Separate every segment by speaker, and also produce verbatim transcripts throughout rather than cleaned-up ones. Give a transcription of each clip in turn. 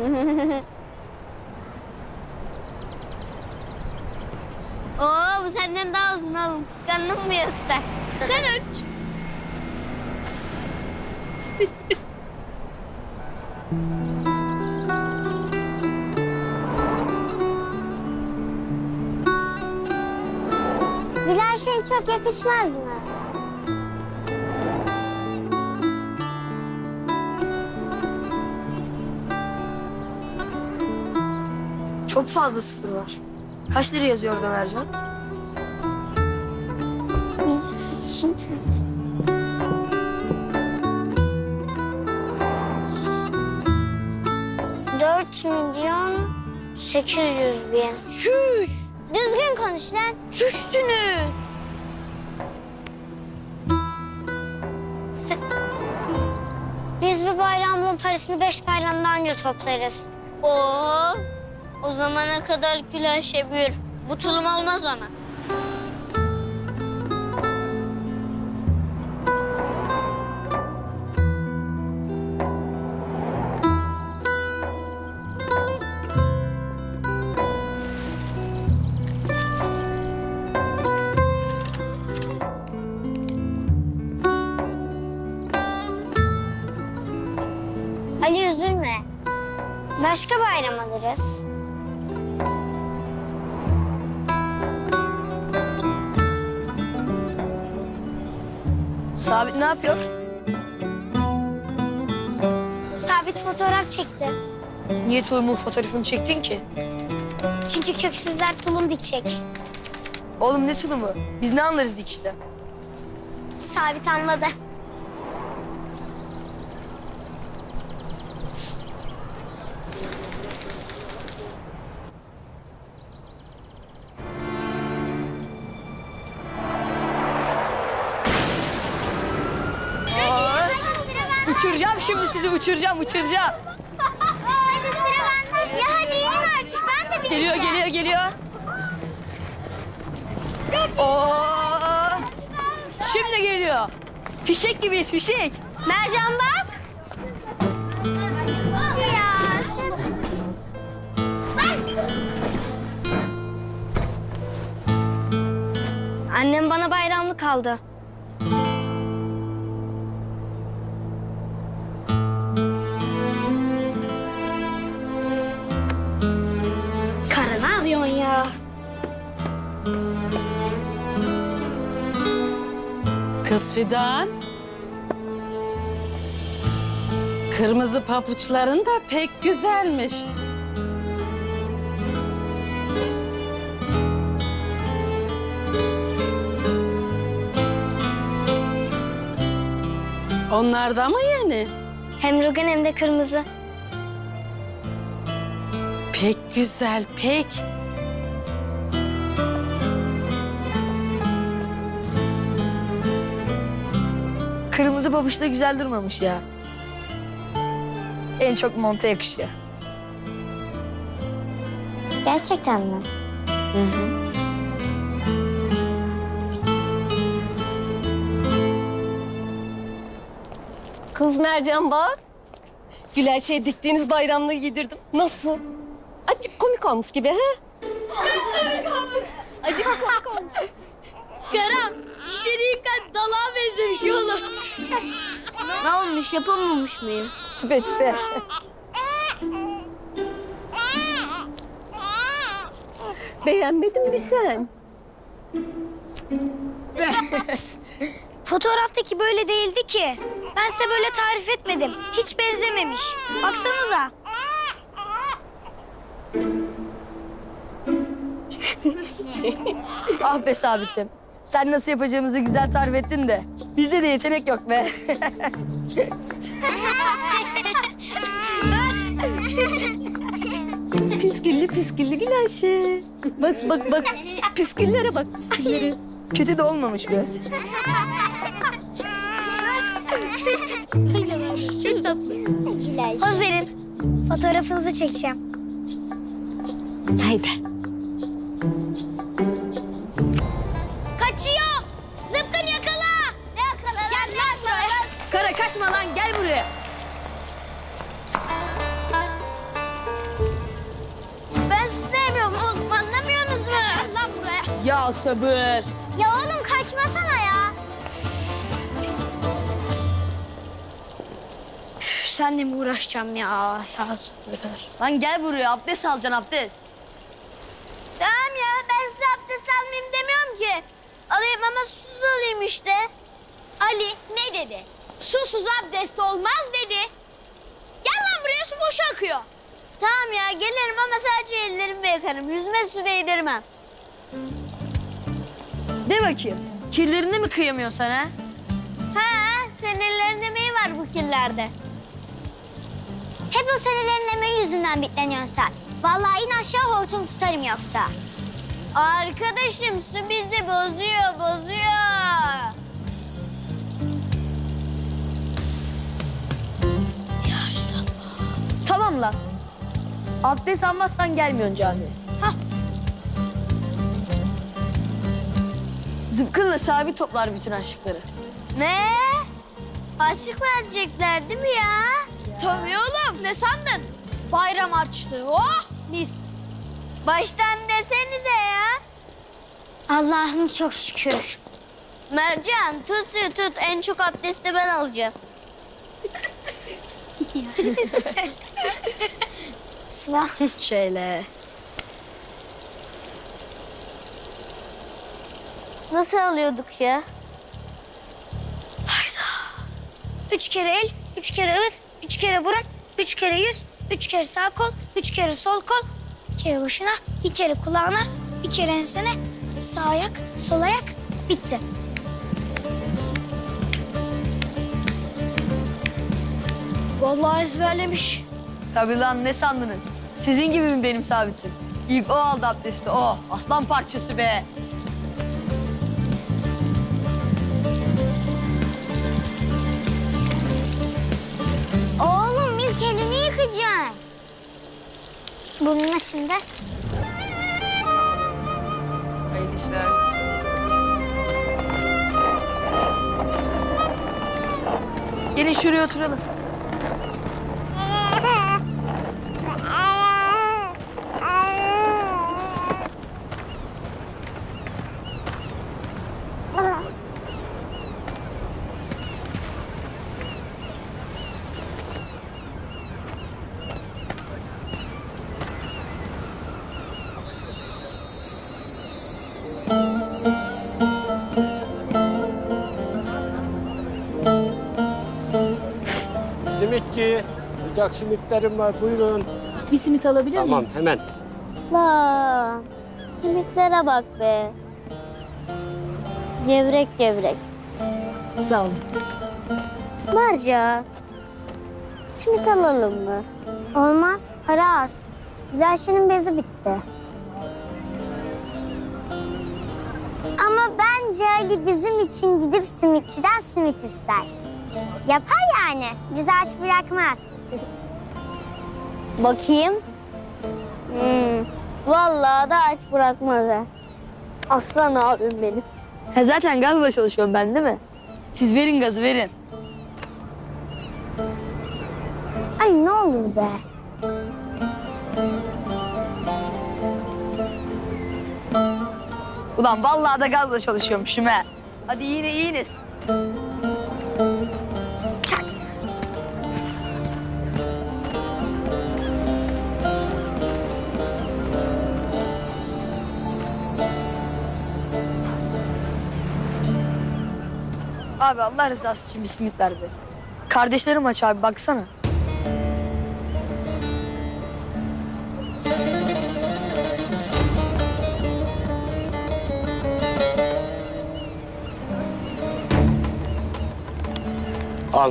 Speaker 1: Oo, bu senden daha uzun oğlum. Kıskandın mı yoksa? Sen öç. Güzel şey çok yakışmaz mı?
Speaker 2: Çok fazla sıfır var. Kaç lira yazıyor orada Mercan?
Speaker 1: Dört milyon sekiz yüz bin.
Speaker 2: Şuş!
Speaker 1: Düzgün konuş lan.
Speaker 2: Şuştunuz!
Speaker 1: Biz bu bayramlığın parasını beş bayramda anca toplarız. Oo, o zamana kadar güleş yapıyor. Bu tulum olmaz ona. Ali üzülme. Başka bayram alırız.
Speaker 2: Sabit ne yapıyor?
Speaker 1: Sabit fotoğraf çekti.
Speaker 2: Niye tulumun fotoğrafını çektin ki?
Speaker 1: Çünkü köksüzler tulum dikecek.
Speaker 2: Oğlum ne tulumu? Biz ne anlarız dikişten?
Speaker 1: Sabit anladı.
Speaker 2: Uçuracağım şimdi sizi, uçuracağım, uçuracağım.
Speaker 1: Hadi sıra bende. Ya hadi inin artık, ben de
Speaker 2: Geliyor,
Speaker 1: bineceğim.
Speaker 2: geliyor, geliyor. Oo! Şimdi geliyor. Fişek gibiyiz, fişek.
Speaker 1: Mercan bak. Ya sen... Annem bana bayramlık aldı. Kara ne yapıyorsun ya?
Speaker 3: Kız Fidan. Kırmızı papuçların da pek güzelmiş. Onlar da mı yeni?
Speaker 1: Hem rugan hem de kırmızı.
Speaker 3: Pek güzel, pek.
Speaker 2: Kırmızı pabuç da güzel durmamış ya. En çok monta yakışıyor.
Speaker 1: Gerçekten mi?
Speaker 2: Hı hı.
Speaker 4: Kız Mercan bak. Güler şey diktiğiniz bayramlığı giydirdim. Nasıl? Acık komik olmuş gibi ha? Acık komik olmuş.
Speaker 1: Karam, dişleri yıkat, dalağa benzemiş oğlum. Ne olmuş, yapamamış mıyım?
Speaker 2: Tüpe tüpe.
Speaker 4: Beğenmedin mi sen?
Speaker 1: Fotoğraftaki böyle değildi ki. Ben size böyle tarif etmedim. Hiç benzememiş. Baksanıza.
Speaker 2: Ah be Sabit'im. Sen nasıl yapacağımızı güzel tarif ettin de. Bizde de yetenek yok be.
Speaker 4: Püsküllü püsküllü Gülayşe. Bak bak bak. Püsküllere bak püsküllere.
Speaker 2: Kötü de olmamış be.
Speaker 1: Poz verin. Fotoğrafınızı çekeceğim.
Speaker 4: Haydi.
Speaker 1: Kaçıyor. Zıpkın yakala. Ne yakala lan? Gel lan sana.
Speaker 2: Kara kaçma lan, gel buraya. Ya sabır.
Speaker 1: Ya oğlum kaçmasana ya.
Speaker 2: Üf, senle mi uğraşacağım ya? Ya sabır. Lan gel buraya abdest alacaksın abdest.
Speaker 1: Tamam ya ben size abdest almayayım demiyorum ki. Alayım ama susuz alayım işte. Ali ne dedi? Susuz abdest olmaz dedi. Gel lan buraya, su boşa akıyor. Tamam ya gelirim ama sadece ellerimi yıkarım. Yüzme su değdirmem.
Speaker 2: De bakayım. Kirlerini mi kıyamıyorsun sen ha?
Speaker 1: Ha, senin ellerin emeği var bu kirlerde. Hep o senelerin emeği yüzünden bitleniyorsun sen. Vallahi in aşağı hortum tutarım yoksa. Arkadaşım su bizi bozuyor, bozuyor.
Speaker 2: Tamam lan. Abdest almazsan gelmiyorsun camiye.
Speaker 1: Hah.
Speaker 2: Zıpkınla sabit toplar bütün aşıkları.
Speaker 1: Ne? Harçlık verecekler değil mi ya? Tabii oğlum. Ne sandın? Bayram harçlığı. Oh mis. Baştan desenize ya. Allah'ım çok şükür. Mercan tut suyu tut. En çok abdesti ben alacağım. Sıva.
Speaker 2: Şöyle.
Speaker 1: Nasıl alıyorduk ya? Üç kere el, üç kere ağız, üç kere burun, üç kere yüz, üç kere sağ kol, üç kere sol kol, bir kere başına, bir kere kulağına, bir kere ensene, sağ ayak, sol ayak, bitti.
Speaker 2: Vallahi ezberlemiş. Tabii lan ne sandınız? Sizin gibi mi benim sabitim? İlk o aldı abdesti o. Aslan parçası be.
Speaker 1: Oğlum ilk elini yıkacaksın. Bununla şimdi.
Speaker 2: Hayırlı işler. Gelin şuraya oturalım.
Speaker 5: Simitçi, sıcak simitlerim var. Buyurun.
Speaker 4: Bir simit alabilir
Speaker 5: Tamam, hemen.
Speaker 1: La, simitlere bak be. Gevrek gevrek.
Speaker 4: Sağ olun.
Speaker 1: Mercan, simit alalım mı? Olmaz, para az. Gülayşe'nin bezi bitti. Ama bence Ali bizim için gidip simitçiden simit ister. Yapar yani, bizi aç bırakmaz. Bakayım. Hmm, vallahi da aç bırakmaz ha. Aslan abim benim.
Speaker 2: Ha, zaten gazla çalışıyorum ben değil mi? Siz verin gazı verin.
Speaker 1: Ay ne olur be.
Speaker 2: Ulan vallahi da gazla çalışıyormuşum ha. Hadi yine iyiniz. Abi Allah rızası için bir simit ver be. Kardeşlerim aç abi baksana.
Speaker 5: Al.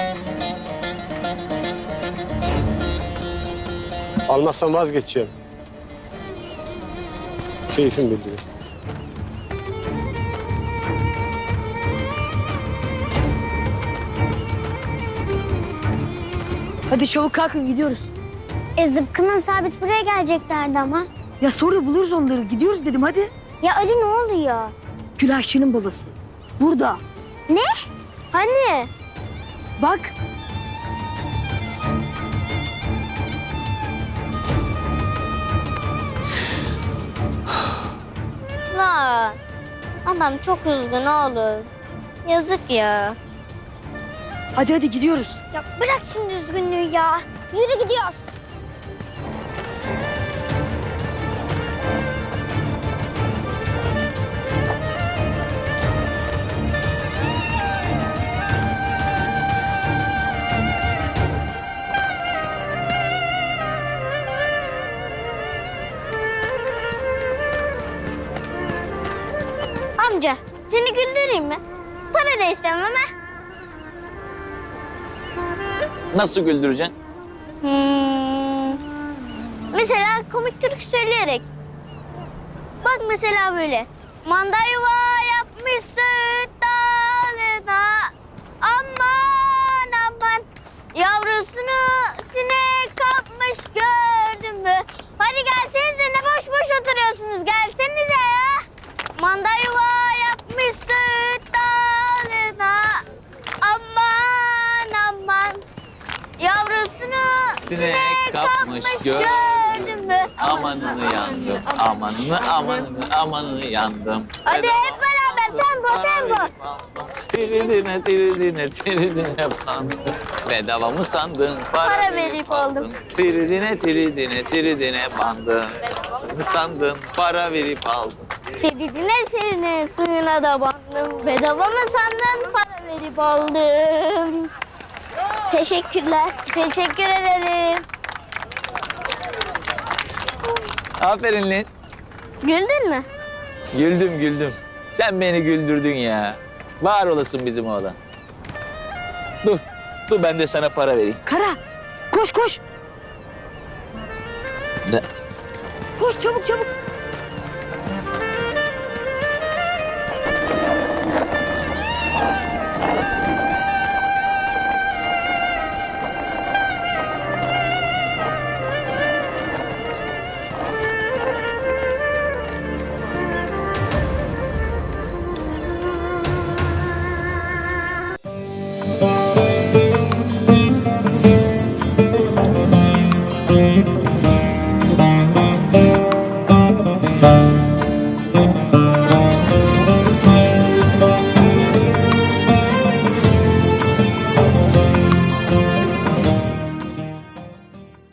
Speaker 5: Almazsan vazgeçeceğim. Keyfim biliyor.
Speaker 2: Hadi çabuk kalkın gidiyoruz.
Speaker 1: E zıpkının sabit buraya geleceklerdi ama.
Speaker 2: Ya sonra buluruz onları. Gidiyoruz dedim hadi.
Speaker 1: Ya Ali ne oluyor?
Speaker 2: Gülayşe'nin babası. Burada.
Speaker 1: Ne? Hani?
Speaker 2: Bak.
Speaker 1: La Adam çok üzgün oğlum. Yazık ya.
Speaker 2: Hadi hadi gidiyoruz.
Speaker 1: Ya bırak şimdi üzgünlüğü ya. Yürü gidiyoruz. Amca seni güldüreyim mi? Para da istemem ha.
Speaker 6: Nasıl güldüreceksin?
Speaker 1: Hmm. Mesela komik türkü söyleyerek. Bak mesela böyle. Manda yuva yapmış söğüt dalına. Aman aman. Yavrusunu sinek kapmış gördün mü? Hadi gelsenize ne boş boş oturuyorsunuz. Gelsenize ya. Manda yuva yapmış söğüt dalına. Aman aman. Yavrusunu
Speaker 6: Sinek kapmış gördüm mü? Amanını yandım, amanını, amanını, amanını yandım.
Speaker 1: Hadi hep beraber tempo tempo.
Speaker 6: Tiridine, tiridine, tiridine bandım. Bedava mı sandın?
Speaker 1: Para verip aldım.
Speaker 6: Tiridine, tiridine, tiridine bandım. Ne sandın? Para verip aldım.
Speaker 1: Sedidine serine suyuna da bandım. Bedava mı sandın para verip aldım. Teşekkürler. Teşekkür ederim.
Speaker 6: Aferin lan.
Speaker 1: Güldün mü?
Speaker 6: Güldüm, güldüm. Sen beni güldürdün ya. Var olasın bizim oğlan. Dur, dur ben de sana para vereyim.
Speaker 2: Kara koş koş.
Speaker 6: Ne?
Speaker 2: Koş çabuk çabuk.